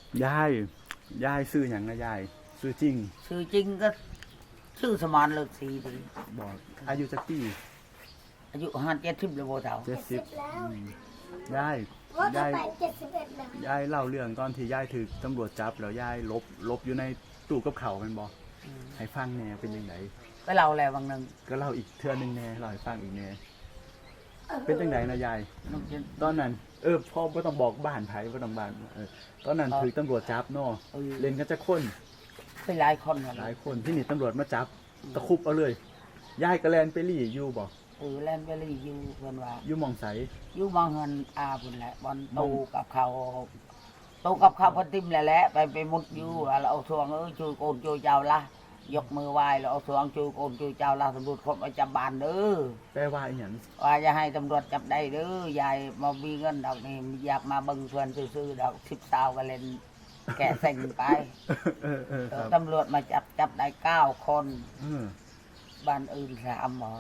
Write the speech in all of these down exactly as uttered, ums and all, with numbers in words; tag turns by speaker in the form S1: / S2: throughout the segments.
S1: ยายยายซื้ออย่างนะยายซื้อจริง
S2: ชื่อจริงก็ชื่อสมานเลิกสีดี
S1: บอกอายุจักปี
S2: อายุห้าเจ็ดสิบเลยโบเฒ่า
S1: เจ็ดสิบยายยายยายเล่าเรื่องตอนที่ยายถือตำรวจจับแล้วยายลบลบอยู่ในตู้กับเขาเป็นบอกให้ฟังแน่เป็นยังไง
S2: ก็เล่าแล้วบางนึง
S1: ก็เล่าอีกเทื่อนึงแน่เล่าให้ฟังอีกแน่เป็นยังไงนะยายตอนนั้นเออพ่อไม่ต้องบอกบ้านไผ่ไม่ต้องบ้านเออตอนนั้นถือตำรวจจับเนาะเล่นกันจะคน
S2: เป็นหลายคน
S1: หลายคนที่นี่ตำรวจมาจับตะคุบเอาเลยยายกระแลนไปรี่อยู่บ่
S2: เออแลนไปรี่อยู่เพิ่นว่า
S1: อยู่มองใส
S2: อยู่มองเงินอาพุ่นแหละบอลตูกับเขาตูกับเขาพอติมแหละไปไปมุดอยู่แล้วเอาทวงเออช่วยโกนช่วยเจ้าละยกมือไหว้แล้วเอาทวงช่วยโกนช่วยเจ้าละตำรวจครบมาจับบ้านเด้อ
S1: แปลว่าอีหยัง
S2: ว่าจะให้ตำรวจจับได้เด้อยายมามีเงินดอกนี่อยากมาเบิ่งเพื่อนซื้อๆดอกสิบสาวก็เล่นแกะเซ็งไปตำรวจมาจับจับได้เก้าคนบ้านอื่นสามหมอ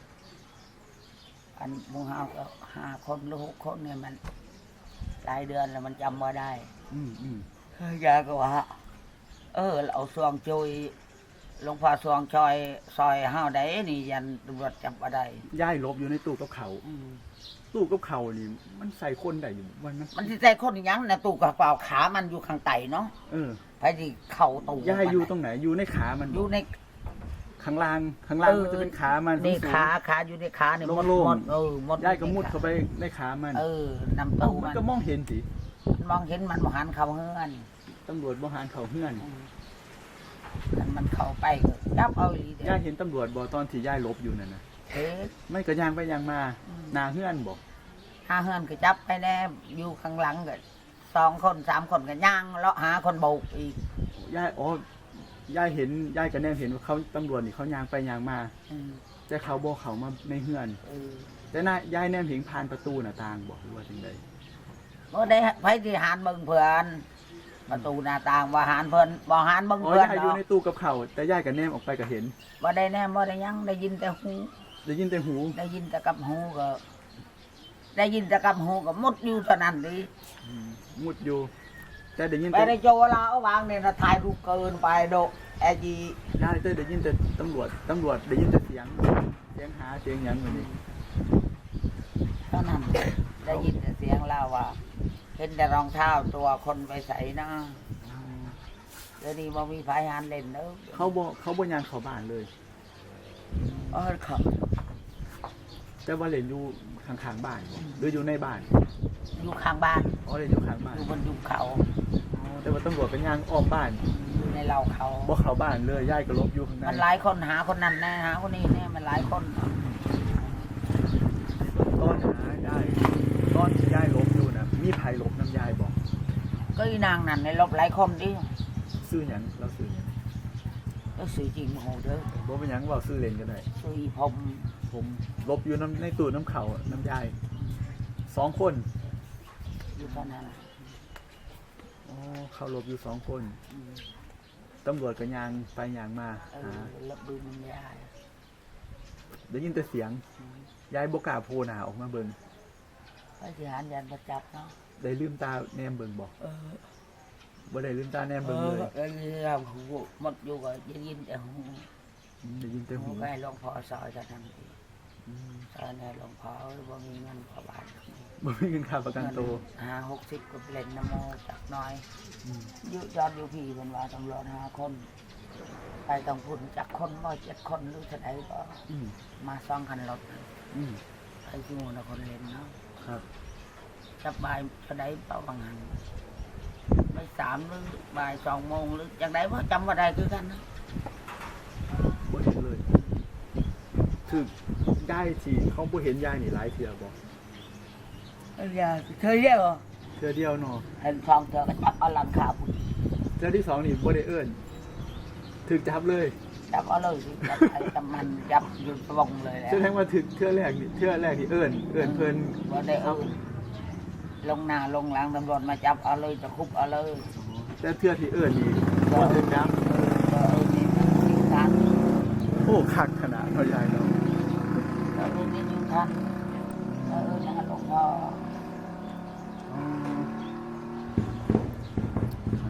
S2: อันมูฮาวก็ห้าคนหรือหกคนเนี่ยมันหลายเดือนแล้วมันจำมาได้ยายก็ว่าเออเอาซองจุยหลวงพ่อซองชอยซอยห้าวได้นี่ยันตำรวจจับมาได้
S1: ย่ายลบอยู่ในตู้กับเขาตู้กับเขานี่มันใส่คนได้อยู่วันนั้น
S2: มันใส่คนยังนะตู้กับเปล่าขามันอยู่ข้างไตเนาะ
S1: เออ
S2: ไปที่เข่าตู้
S1: ย่ายอยู่ตรงไหนอยู่ในขามัน
S2: อยู่ใน
S1: ข้างล่างข้างล่างมันจะเป็นขามัน
S2: นี่ขาขาอยู่ในขาเนี่ยมดมดเออมด
S1: ย่ายก็มุดเข้าไปในขามัน
S2: เออนำตู้
S1: มันก็มองเห็นสิ
S2: มองเห็นมันมหันเข่าเฮือน
S1: ตำรวจมหันเข่าเฮือน
S2: มันเข้าไปก็จับเอาอี
S1: ย่าเห็นตำรวจบอกตอนที่ย่ายลบอยู่นั่นนะ
S2: เอ๊ะ
S1: ไม่ก็ย่างไปย่างมานาเฮือนบอก
S2: หาเฮือนก็จับไปแน่อยู่ข้างหลังก็สองคนสามคนก็ย่างเลาะหาคนโบกอีก
S1: ย่ายอ๋อย่ายเห็นย่ายก็แน่เห็นว่าเขาตำรวจนี่เขาย่างไปย่างมาแต่เขาบอกเขามาในเฮือนแต่น่าย่ายแน่เห็นผ่านประตูหน้าต่างบอกว่าจังได
S2: ก็ได้ไปที่หานเบิ่งเพื่อนประตูหน้าต่างว่าหานเพิ่นบ่หานเบิ่งเพื่อน
S1: อ๋อย่ายอยู่ในตู้กับเขาแต่ย่ายก็แนมออกไปก็เห็น
S2: บ่ได้แนมบ่ได้ยังได้ยินแต่หู
S1: ได้ยินแต่หู
S2: ได้ยินแต่กับหูก็ได้ยินแต่กับหูก็มุดอยู่เท่านั้นดิ
S1: มุดอยู่แต่ได้ยิน
S2: ไปในโจลาเอาวางเนี่ยนะถ่ายรูปเกินไปโดแอจี
S1: ย่ายแต่ได้ยินแต่ตำรวจตำรวจได้ยินแต่เสียงเสียงหาเสียงหยังแบบนี้
S2: เท่านั้นได้ยินแต่เสียงเล่าว่าเห็นแต่รองเท้าตัวคนไปใส่นะเดี๋ยวนี้บ่มีไฟหันเล่นเด้อ
S1: เขาบ่เขาบ่ยางเข้าบ้านเลย
S2: เออเขา
S1: แต่ว่าเล่นอยู่ข้างๆบ้านหรืออยู่ในบ้าน
S2: อยู่ข้างบ้าน
S1: อ๋อเล่นอยู่ข้างบ้าน
S2: อยู่บนยุงเขา
S1: แต่ว่าตำรวจเป็นยางอ้อมบ้าน
S2: อยู่ในเราเขา
S1: บ่เข้าบ้านเลยย่ายก็ลบอยู่ข้างใน
S2: มันหลายคนหาคนนั้นนะหาคนนี้เนี่ยมันหลายคน
S1: ตอนหาย่ายตอนที่ย่ายลบอยู่นะมีไผลบน้ำยายบอก
S2: ก็อีนางนั่นในลบหลายคนดิ
S1: ซื้อหยังเราซื้อหยัง
S2: ก็ซื้อจริงโหเด้อ
S1: บ่เป็นหยังว่าซื้อเล่นก็ได้
S2: ซื้ออีพม
S1: ผมลบอยู่น้ำในตู้น้ำเขาน้ำยายสองคน
S2: อยู่ตอนนั้น
S1: อ๋อเขาลบอยู่สองคนตำรวจก็ยางไปยางมา
S2: หาลบดูมันยาย
S1: ได้ยินแต่เสียงยายบกล้าโผล่หน้าออกมาเบิ่ง
S2: ไปที่หานยันประจับเนาะ
S1: ได้ลืมตาแนมเบิ่งบอกบ่ได้ลืมตาแนมเบิ่งเลย
S2: เออเราหูหมดอยู่ก็ได้ยินแต่หู
S1: ได้ยินแต่หู
S2: ใกล้หลวงพ่อซอยจะทำทีซอยเนี่ยหลวงพ่อบ่มีเงินประบาท
S1: บ่มีเงินค่าประกันตัว
S2: ห้าหกสิบก็เล่นนโมจักน้อยยุยอดอยู่พี่เป็นว่าตำรวจห้าคนไปต้องพุ่นจากคนร้อยเจ็ดคนหรือเท่าไหร่ก็มาซ่องคันรถไอ้ที่มูนคนเล่นเนาะ
S1: ครับ
S2: จับบ่ายเท่าไหร่เปล่าบางหันไม่สามหรือบ่ายสองโมงหรืออย่างไรว่าจำว่าใดคือกันนะ
S1: บ่เห็นเลยคือยายสิเขาบ่เห็นยายนี่หลายเทื่อบ่
S2: ยายเธอเดียว
S1: เทื่อเดียวเนาะ
S2: เห็นฟองเธอก็จับเอาหลังขาพุ่น
S1: เทื่อที่สองนี่บ่ได้เอิ้นถึกจับเลย
S2: จับเอาเลยสิจับไอ้ตำมันจับอยู่ตรงเลยแหละ
S1: แสดงว่าถึกเทื่อแรกนี่เทื่อแรกนี่เอิ้นเอิ้นเพิ่น
S2: บ่ได้เอิ้นลงหน้าลงหลังตำรวจมาจับเอาเลยจะคุบเอาเลย
S1: แต่เทื่อที่เอิ้นนี่บ่ถึกจับ
S2: เออนี่นิ้วทัน
S1: โอ้คักขนาดเนาะยายเนาะ
S2: เออนี่นิ้วทันเออนะหลวงพ่อ
S1: อ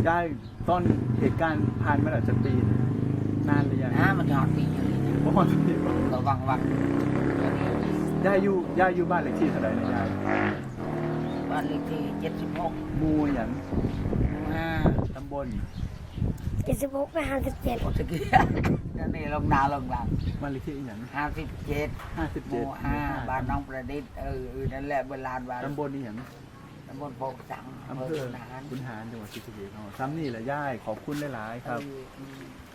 S1: ยายต้นเหตุการณ์ผ่านมาแล้วจะปีนะนานหรือยัง
S2: นะมันหอดปีอยู่นี่
S1: บ่ฮอดปีบ่
S2: ก็วังวัง
S1: ยายอยู่ยายอยู่บ้านเลขที่เท่าไหร่นะยาย
S2: บ้านเลขที่เจ็ดสิบหก
S1: หมู่หยัง
S2: ห้า
S1: ตำบล
S3: เจ็ดสิบหกไปห้าสิบเจ็ด
S2: โอสกี้นั่นนี่ลงนาลงหลัง
S1: บ้านเลขที่อีหยัง
S2: ห้าสิบเจ็ด
S1: ห้าสิบ
S2: ห
S1: เจ็ด
S2: มู่ห้าบ้านน้องประดิษฐ์เออเออนั่นแหละเวลาบ้าน
S1: ตำบลอีหยัง
S2: ตำบลโพกสัง
S1: อำเภอ
S2: ขุนหาร
S1: ขุนหารจังหวัดศรีสะเกษอ๋อซ้ำนี่แหละยายขอบคุณหลายๆครับ
S2: เออ